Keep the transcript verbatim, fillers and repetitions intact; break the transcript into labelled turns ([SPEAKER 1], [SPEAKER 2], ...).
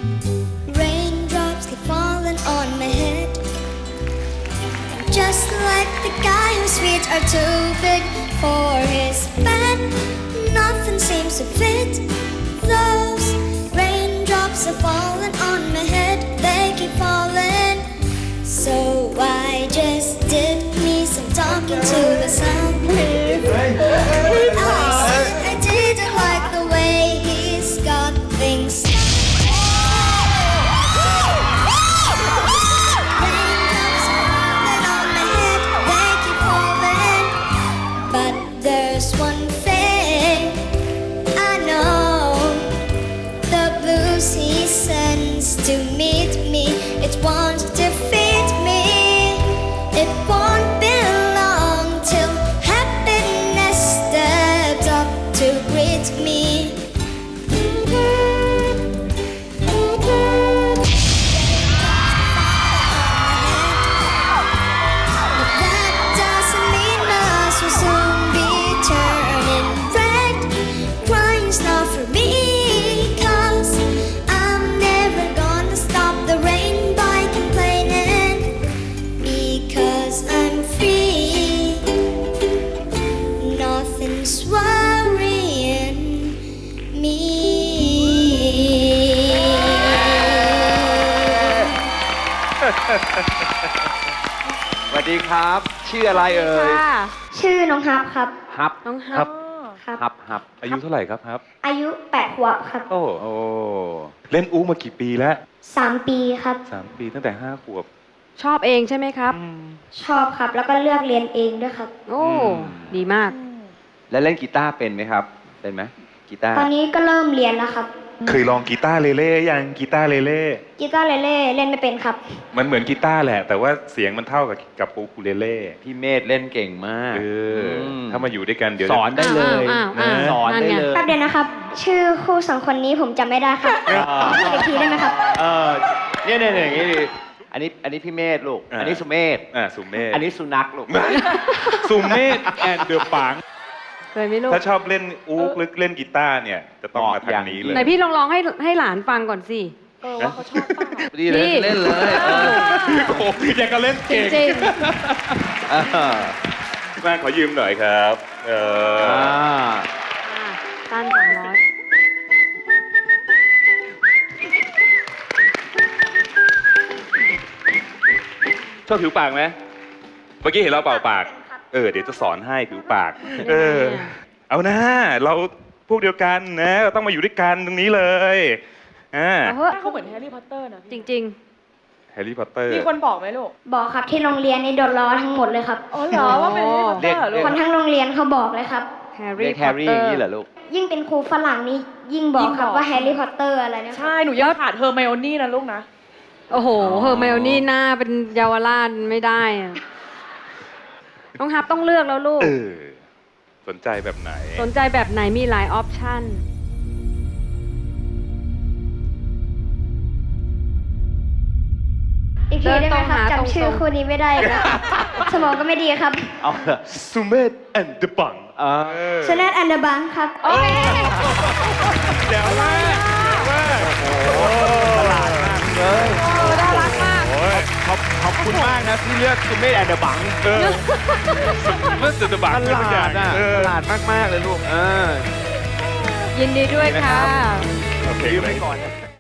[SPEAKER 1] Raindrops keep falling on my head. Just like the guy whose feet are too big for his bed, nothing seems to fit. Those raindrops are falling on my head, they keep falling. So I just did me some talking to the sun. I said I didn't like the way he's got things. Raindrops are falling on my head, they keep falling. But there's one thing I know, the blues he sends to meet me, it won't defeat me. It won't be long till happiness steps up to greet me. But that doesn't mean us will soon be turning red. Crying's not for me, 'cause I'm never gonna stop the rain by complaining, because I'm free. Nothing's worrying me.
[SPEAKER 2] สวัสดีครับ ชื่ออะไรเอ่ย
[SPEAKER 3] ค่ะ
[SPEAKER 1] ชื่อน้องฮับครับ
[SPEAKER 2] ฮับ
[SPEAKER 3] น้องฮั
[SPEAKER 4] ครับ บ
[SPEAKER 1] ครับ
[SPEAKER 2] ฮับฮับ
[SPEAKER 4] อายุเท่าไหร่ครับครับ
[SPEAKER 1] อายุแปดขวบครับ
[SPEAKER 4] โอ้โอ้เล่นอู้มากี่ปีแล้ว
[SPEAKER 1] สามปีครับ
[SPEAKER 4] สามปีตั้งแต่ห้าขวบ
[SPEAKER 3] ชอบเองใช่ไหมครับ
[SPEAKER 1] ชอบครับ แล้วก็เลือกเรียนเองด้วยครับ
[SPEAKER 3] โอ้ ดีมาก
[SPEAKER 2] แล้วเล่นกีตาร์เป็นไหมครับ เป็นไหมกีตาร์
[SPEAKER 1] ตอนนี้ก็เริ่มเรียนแล้วครับ
[SPEAKER 4] เคยลองกีตาร์เลเล่ยังกีตาร์เลเล่
[SPEAKER 1] กีตาร์เล่เล่เล่นไม่เป็นครับ
[SPEAKER 4] มันเหมือนกีตาร์แหละ แต่ว่าเสียงมันเท่ากับกับอูคูเลเล่
[SPEAKER 2] พี่เมธเล่นเก่งมาก
[SPEAKER 4] เอออ
[SPEAKER 2] ม
[SPEAKER 4] ถ้ามาอยู่ด้วยกันเดี๋ยว
[SPEAKER 2] สอนได้เลย
[SPEAKER 3] อ้าวอ้าวอ้าว
[SPEAKER 2] สอนได้
[SPEAKER 3] นั่นไง
[SPEAKER 2] เลย
[SPEAKER 1] แป๊บเดียวนะครับ ชื่อคู่สองคนนี้ผมจำไม่ได้ครับพูดอีกทีได้ไหมครับ
[SPEAKER 2] เออเนี่ยเนี่ยเนี่ยอย่างนี้ดิอันนี้อันนี้พี่เมธลูก อันนี้สุเมธ
[SPEAKER 4] อ่าสุเมธ
[SPEAKER 2] อันนี้สุนัขลูก
[SPEAKER 4] สุเมธแอนเดอร์ปัง
[SPEAKER 3] เคยไหมลูก
[SPEAKER 4] ถ้าชอบเล่นอูกหรือเล่นกีตาร์เนี่ย จะต้องมาทางนี้เลย
[SPEAKER 3] ไหนพี่ลองร้องให้ให้หลานฟังก่อนสิ
[SPEAKER 5] เออว่าเขาชอบเปล่า
[SPEAKER 2] ดีเลย
[SPEAKER 3] นี่
[SPEAKER 2] เล่นเลยเออ
[SPEAKER 4] โอ้โหอยากจะเล่น
[SPEAKER 3] จ
[SPEAKER 4] เก่ง
[SPEAKER 3] ริง
[SPEAKER 2] เออ
[SPEAKER 4] แม่ขอยืมหน่อยครับ เออ
[SPEAKER 2] อ่า
[SPEAKER 3] ๆอ่ะตั้นสองร้อย
[SPEAKER 4] ชอบผิวปากไหมเมื่อกี้เห็นเราเป่าปาก เออ เดี๋ยวจะสอนให้ผิวปาก เออ เอานะ เราพวกเดียวกันนะเราต้องมาอยู่ด้วยกันตรงนี้เลยอ่า
[SPEAKER 3] เอาเถอะ
[SPEAKER 5] เขาเหมือนแฮร์รี่พอตเตอร์นะ
[SPEAKER 3] จ
[SPEAKER 5] พี่
[SPEAKER 3] ริง
[SPEAKER 4] แฮร์รี่พอตเตอร์
[SPEAKER 5] มีคนบอกไหมลูก
[SPEAKER 1] บอกครับที่โรงเรียนนี่โดนล้อทั้งหมดเลยครับ
[SPEAKER 5] อ๋อเหรอว่าเป็นแฮร์รี่พอตเตอร์เหรอลูก
[SPEAKER 1] คนทั้งโรงเรียนเขาบอกเลยครับ
[SPEAKER 3] ๆ แฮร์
[SPEAKER 2] เรี
[SPEAKER 3] รี่
[SPEAKER 2] ยก
[SPEAKER 3] พ
[SPEAKER 2] แฮ
[SPEAKER 3] อต
[SPEAKER 2] ร์รี่
[SPEAKER 3] เต
[SPEAKER 2] อ
[SPEAKER 3] อย่าง
[SPEAKER 2] นี้
[SPEAKER 3] ร์
[SPEAKER 2] เหรอลูก
[SPEAKER 1] ยิ่งเป็นครูฝรั่งนี่ยิ่งบอกครับว่าแฮร์รี่พอตเตอร์อะไรนะครั
[SPEAKER 5] ใช่ หนูยังขาดเฮอร์ไมโอนี่นะลูกนะ
[SPEAKER 3] โอ้โห เฮอร์ไมโอนี่หน้าเป็นเยาวราชไม่ได้อะน้องฮับต้องเลือกแล้วลูก
[SPEAKER 4] เออ สนใจแบบไหน
[SPEAKER 3] สนใจแบบไหนมีหลายออปชั่น
[SPEAKER 1] อีกทีได้ไหมครับ
[SPEAKER 3] เดินตรงหา
[SPEAKER 1] จำชื่อ
[SPEAKER 3] ตรงๆ
[SPEAKER 1] คู่นี้ไม่ได้ครับ สมองก็ไม่ดีครับ
[SPEAKER 2] เอาเถอะ
[SPEAKER 4] สุเมธแอนเดอร์ปัง
[SPEAKER 2] เออ
[SPEAKER 1] ชนะอันเดอร์บังครับ
[SPEAKER 3] โอเค
[SPEAKER 4] เดี๋ยวว่าเดี๋ยวว่าโอ้
[SPEAKER 2] ตลาดมากเลย
[SPEAKER 3] เออน่ารักมาก
[SPEAKER 4] โอ้ย
[SPEAKER 2] ขอบขอบคุณมากนะที่เลือกสุเมธแอนเดอร์บัง
[SPEAKER 4] เออเมื่อจะบัง
[SPEAKER 2] ต
[SPEAKER 4] เลยทุกอ
[SPEAKER 2] ลา
[SPEAKER 4] ย่า
[SPEAKER 2] ด
[SPEAKER 4] ง
[SPEAKER 2] อ่ะ
[SPEAKER 4] เออ
[SPEAKER 2] ตลาดมาก ๆ เลยลูก เออ
[SPEAKER 3] ยินดีด้วยค่ะ
[SPEAKER 4] โอเค
[SPEAKER 2] ยืม
[SPEAKER 4] เล
[SPEAKER 2] ไป
[SPEAKER 4] ย
[SPEAKER 2] ก่อนนะ